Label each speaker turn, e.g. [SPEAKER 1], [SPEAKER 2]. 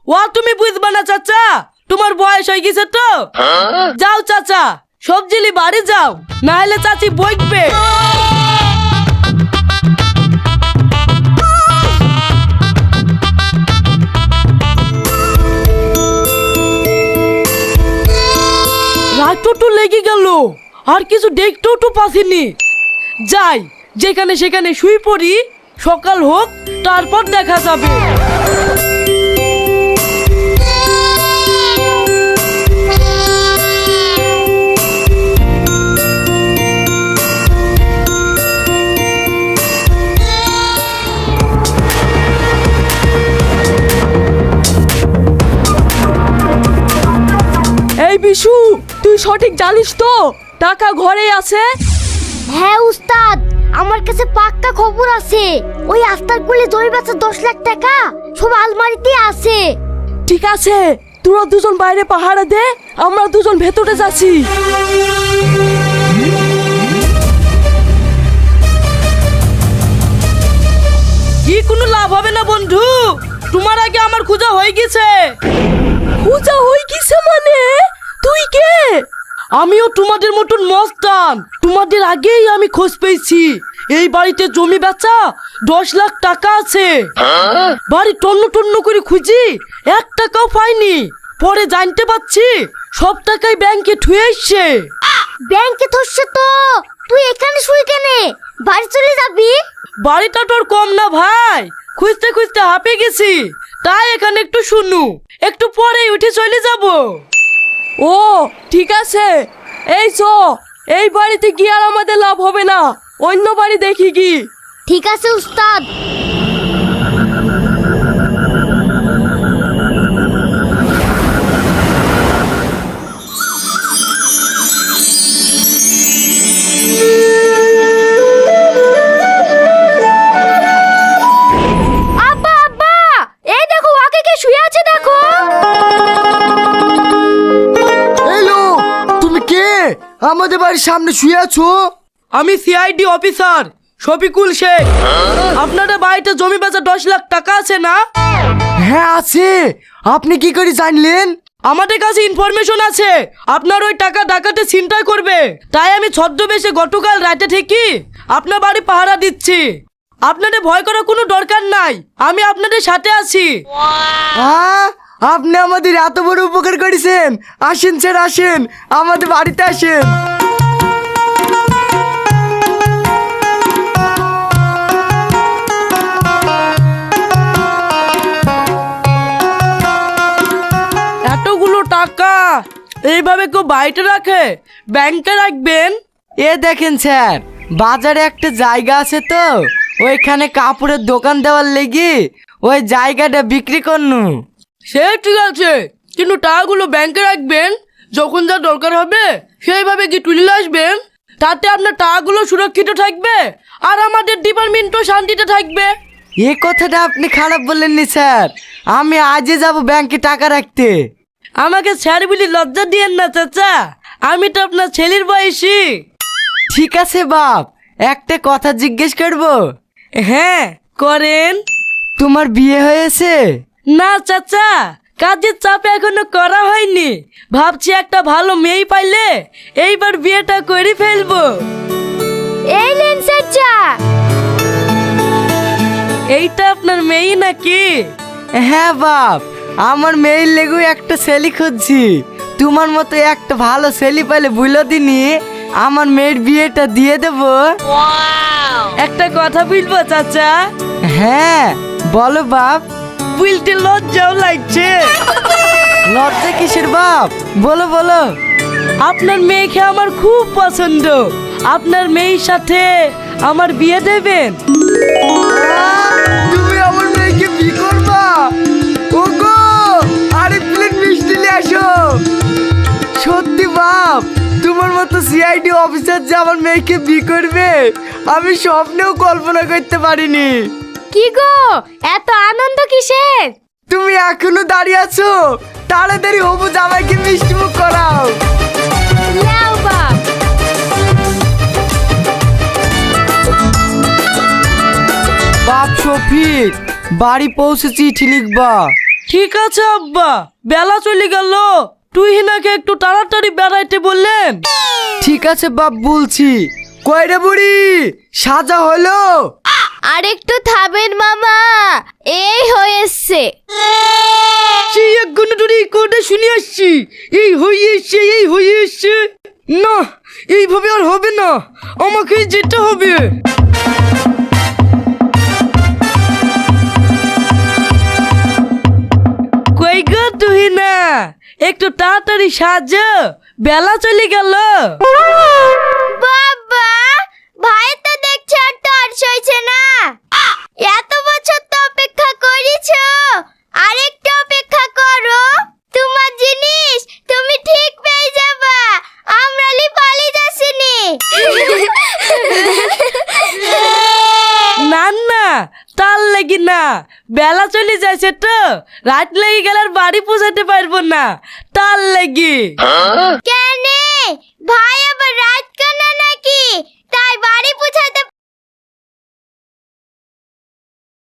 [SPEAKER 1] ও তুমি বুঝবা না চাচা, তোমার বয়স হয়ে গেছে তো। যাও চাচা, সবজিলি বাড়ি যাও, না হলে চাচি বইকবে। রাতটা তো লেগে গেল, আর কিছু দেখতেও তো পাচ্ছিনি। যাই, যেখানে সেখানে শুই পড়ি, সকাল হোক তারপর দেখা যাবে। এই বিশু, তুই সঠিক জানিস তো টাকা ঘরেই আছে?
[SPEAKER 2] হ্যাঁ উস্তাদ, আমার কাছে পাক্কা খবর আছে। ওই আস্তার কুলে জমি বেচা 10 লাখ টাকা সব আলমারিতে আছে।
[SPEAKER 1] ঠিক আছে, তোরা দুজন বাইরে পাহারা দে, আমরা দুজন ভেতরে যাচ্ছি। কি কোনো লাভ হবে না বন্ধু, তোমার আগে আমার খোঁজা হয়ে গেছে। খোঁজা হয়ে গেছে মানে? তুই কে? আমিও তোমাদের মতন মস্তান, তোমাদের আগেই আমি খোঁজ পেয়েছি। এই বাড়িতে জমি বেচা 10 লাখ টাকা আছে। বাড়ি টন্ন টন্ন করে খুঁজি, 1 টাকাও পাইনি। পরে জানতে পারছি সব টাকাই ব্যাংকে ঠুয়ে এসছে।
[SPEAKER 2] ব্যাংকে ধরছে তো তুই এখানে শুই কেনে? বাড়ি চলে যাবি?
[SPEAKER 1] বাড়িটা তোর কম না ভাই, খুঁজতে খুঁজতে হাঁপে গেছি, তাই এখানে একটু শুনু, একটু পরেই উঠে চলে যাব। ও ঠিক আছে, এই চো, এই বাড়িতে গিয়ে আর আমাদের লাভ হবে না, অন্য বাড়ি দেখি কি।
[SPEAKER 2] ঠিক আছে উস্তাদ। আব্বা আব্বা, এই দেখো ওকে কে শুয়ে আছে দেখো।
[SPEAKER 3] হ্যালো, তুমি কে আমাদের বাড়ির সামনে শুয়ে আছো?
[SPEAKER 1] আমি সিআইডি অফিসার শফিকুল শেখ। আপনাদের বাড়িতে জমি বেচা 10 লাখ টাকা আছে না?
[SPEAKER 3] হ্যাঁ আছে। আপনি কি করে জানলেন?
[SPEAKER 1] আমাদের কাছে ইনফরমেশন আছে আপনার ওই টাকা ডাকাতে ছিনতাই করবে, তাই আমি ছদ্মবেশে গতকাল রাতে থেকে আপনার বাড়ি পাহারা দিচ্ছি। আপনাদের ভয় করার কোনো দরকার নাই, আমি আপনাদের সাথে আছি।
[SPEAKER 3] আপনি আমাদের এত বড় উপকার করেছেন। আসেন স্যার, আসেন আমাদের বাড়িতে আসেন।
[SPEAKER 1] এতগুলো টাকা এইভাবে কেউ বাড়িতে রাখে? ব্যাংকে রাখবেন।
[SPEAKER 3] এ দেখেন স্যার, বাজারে একটা জায়গা আছে তো, ওইখানে কাপড়ের দোকান দেওয়ার লেগে ওই জায়গাটা বিক্রি করনু।
[SPEAKER 1] সে ঠিক আছে, কিন্তু টাকাগুলো ব্যাংকে রাখবেন, যখন যা দরকার হবে সেইভাবে কি তুলে আসবেন। তাতে আপনার টাকাগুলো সুরক্ষিত থাকবে, আর আমাদের ডিপার্টমেন্টও শান্তিতে থাকবে।
[SPEAKER 3] এ কথাটা আপনি খারাপ বললেননি স্যার, আমি আজই যাব ব্যাংকে টাকা রাখতে।
[SPEAKER 1] আমাকে স্যার বলি লজ্জা দিয়েন না চাচা, আমি তো আপনার ছেলের বয়সী।
[SPEAKER 3] ঠিক আছে বাপ, একটা কথা জিজ্ঞেস করবো?
[SPEAKER 1] হ্যাঁ করেন।
[SPEAKER 3] তোমার বিয়ে হয়েছে?
[SPEAKER 1] না চাচা, কাজের চাপে এখনো করা হয়নি, ভাবছি একটা ভালো মেয়ে পাইলে এইবার বিয়েটা করে ফেলবো।
[SPEAKER 2] এই নেন চাচা।
[SPEAKER 1] এইটা আপনার মেয়ে নাকি?
[SPEAKER 3] হ্যাঁ বাপ, আমার মেয়ের লেগু একটা ছেলে খুঁজছি। তোমার মতো একটা ভালো ছেলে পাইলে বুঝলো দিনি আমার মেয়ের বিয়েটা দিয়ে দেব।
[SPEAKER 1] একটা কথা বলবো চাচা?
[SPEAKER 3] হ্যাঁ বলো বাপ।
[SPEAKER 1] বলতে লজ্জাও লাগছে।
[SPEAKER 3] লজ্জা কিসের বাপ, বলো বলো।
[SPEAKER 1] আপনার মেয়েকে আমার খুব পছন্দ, আপনার মেয়ের সাথে আমার বিয়ে দেবেন?
[SPEAKER 3] তুমি আমার মেয়েকে বিয়ে করবা? ওগো, আরেক প্লেট মিষ্টি নিয়ে আসো। সত্যি বাপ, তোমার মতো সিআইডি অফিসার যে আমার মেয়েকে বিয়ে করবে আমি স্বপ্নেও কল্পনা করতে পারিনি।
[SPEAKER 2] কি গো, এত আনন্দ কিসের?
[SPEAKER 3] তুমি এখনো দাঁড়িয়ে আছো, তাড়াতাড়ি হবু জামাইকে মিষ্টি মুখ করাও।
[SPEAKER 2] নাও বাপ।
[SPEAKER 3] বাপ শফিক, বাড়ি পৌঁছে চিঠি লিখবা।
[SPEAKER 1] ঠিক আছে আব্বা, বেলা চলে গেল, তুই হিনাকে একটু তাড়াতাড়ি বেড়াইতে বললেন।
[SPEAKER 3] ঠিক আছে বাপ, বলছি। কয়টা বুড়ি সাজা হলো?
[SPEAKER 2] আরেকটু থামেন মামা, এই হয়েছে।
[SPEAKER 1] সেই এক ঘন্টা ধরে এই কোডে শুনে আসছি, এই হয়ে এসছে, এই হয়ে এসছে। না, এইভাবে আর হবে না, আমাকে যেতে হবে। কই গো তুই না, একটু তাড়াতাড়ি সাজো, বেলা চলে গেল।
[SPEAKER 2] বাবা, ভাই তো দেখছে আর তোর সইছে না। এত বছর তো অপেক্ষা করেছো, আরেকটু অপেক্ষা করো। তোমার জিনিস তুমি ঠিক পেয়ে যাবা, আমরা পালিয়ে যাচ্ছিনি।
[SPEAKER 1] না না, তার লাগি না, বেলা চলে যাচ্ছে তো, রাত লেগে গেলে আর বাড়ি পৌঁছাতে পারবো না, তার লাগি।
[SPEAKER 2] কেন